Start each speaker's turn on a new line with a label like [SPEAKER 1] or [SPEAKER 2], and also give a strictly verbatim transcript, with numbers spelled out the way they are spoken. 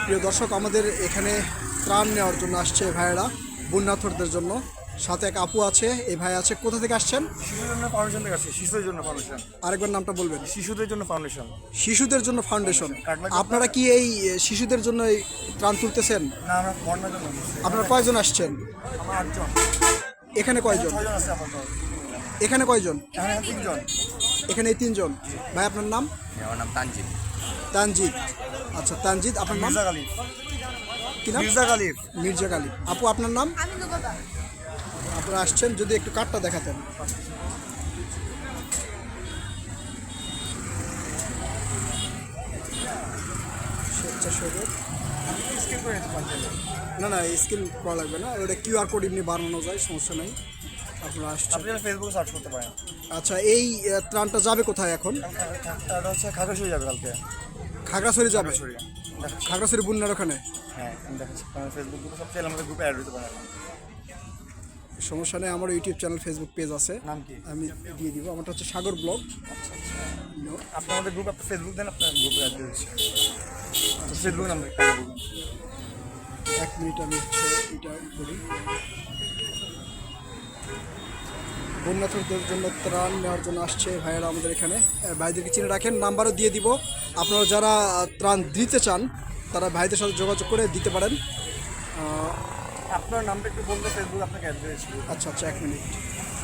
[SPEAKER 1] প্রিয় দর্শক, আমাদের এখানে ত্রাণ নেওয়ার জন্য আসছে ভাইয়েরা, বন্যার্থদের জন্য। সাথে এক আপু আছে। এই ভাই আছে, কোথা থেকে আসছেন?
[SPEAKER 2] শিশুদের জন্য ফাউন্ডেশন থেকে আসছে। শিশুদের জন্য ফাউন্ডেশন।
[SPEAKER 1] আরেকবার নামটা বলবেন।
[SPEAKER 2] শিশুদের জন্য ফাউন্ডেশন।
[SPEAKER 1] শিশুদের জন্য ফাউন্ডেশন।
[SPEAKER 2] এক লাখ
[SPEAKER 1] আপনারা কি এই শিশুদের জন্য এই ত্রাণ তুলতেছেন?
[SPEAKER 2] না, আমরা বন্যার জন্য আসছি।
[SPEAKER 1] আপনারা কয়জন আসছেন?
[SPEAKER 2] আমরা আটজন।
[SPEAKER 1] এখানে কয়জন?
[SPEAKER 2] ছয়জন আছে আপাতত।
[SPEAKER 1] এখানে কয়জন?
[SPEAKER 2] এখানে তিনজন।
[SPEAKER 1] এখানে এই তিনজন। ভাই আপনার নাম?
[SPEAKER 3] আমার নাম তানজিদ।
[SPEAKER 1] তানজিদ। আচ্ছা তানজিদ, আপনার নাম
[SPEAKER 2] মির্জা গালিব।
[SPEAKER 1] কি নাম?
[SPEAKER 2] মির্জা গালিব।
[SPEAKER 1] মির্জা গালিব। আপু আপনার নাম? আপনারা আসছেন, যদি একটু কার্ডটা দেখাতেন। স্বেচ্ছাসেবক।
[SPEAKER 2] স্কিপ করে নিতে পারছেন।
[SPEAKER 1] না না, স্কিল করা লাগবে না, ওটা কিউআর কোড এমনি বানানো যায়, সমস্যা নেই। আপনারা আসছেন।
[SPEAKER 2] আপনি ফেসবুকে সার্চ করতে পারেন।
[SPEAKER 1] আচ্ছা, এই আহ, ত্রাণটা যাবে কোথায় এখন?
[SPEAKER 2] এটা হচ্ছে খাগড়াছড়ি যাবে কালকে।
[SPEAKER 1] খাগড়াছড়ি যাবে?
[SPEAKER 2] খাগড়াছড়ি। দেখাচ্ছি।
[SPEAKER 1] খাগড়াছড়ি বন্যার ওখানে?
[SPEAKER 2] হ্যাঁ, আমি দেখাচ্ছি। কারণ ফেসবুক গ্রুপে সব চাইলে আমাদের গ্রুপে অ্যাড হতে পারেন।
[SPEAKER 1] সমস্যা নেই, আমার ইউটিউব চ্যানেল, ফেসবুক পেজ আছে,
[SPEAKER 2] নাম কি?
[SPEAKER 1] আমি দিয়ে দিব। আমারটা হচ্ছে সাগর ব্লগ।
[SPEAKER 2] আপনি আমাদের গ্রুপ, আপনার ফেসবুক দেন, আপনার গ্রুপে অ্যাড দিয়ে দিচ্ছি। ফেসবুক নাম বলুন।
[SPEAKER 1] এক মিনিট, আমি হচ্ছে এটা বলি। বন্যার্থদের জন্য ত্রাণ নেওয়ার জন্য আসছে ভাইয়েরা আমাদের এখানে। আহ, ভাইদেরকে চিনে রাখেন, নাম্বারও দিয়ে দিব। আপনারা যারা আহ, ত্রাণ দিতে চান, তারা ভাইদের সাথে যোগাযোগ করে দিতে পারেন। আহ,
[SPEAKER 2] আপনার নামটা একটু বললে ফেসবুক আপনাকে অ্যাড দিয়ে দিচ্ছি।
[SPEAKER 1] আচ্ছা আচ্ছা, এক মিনিট।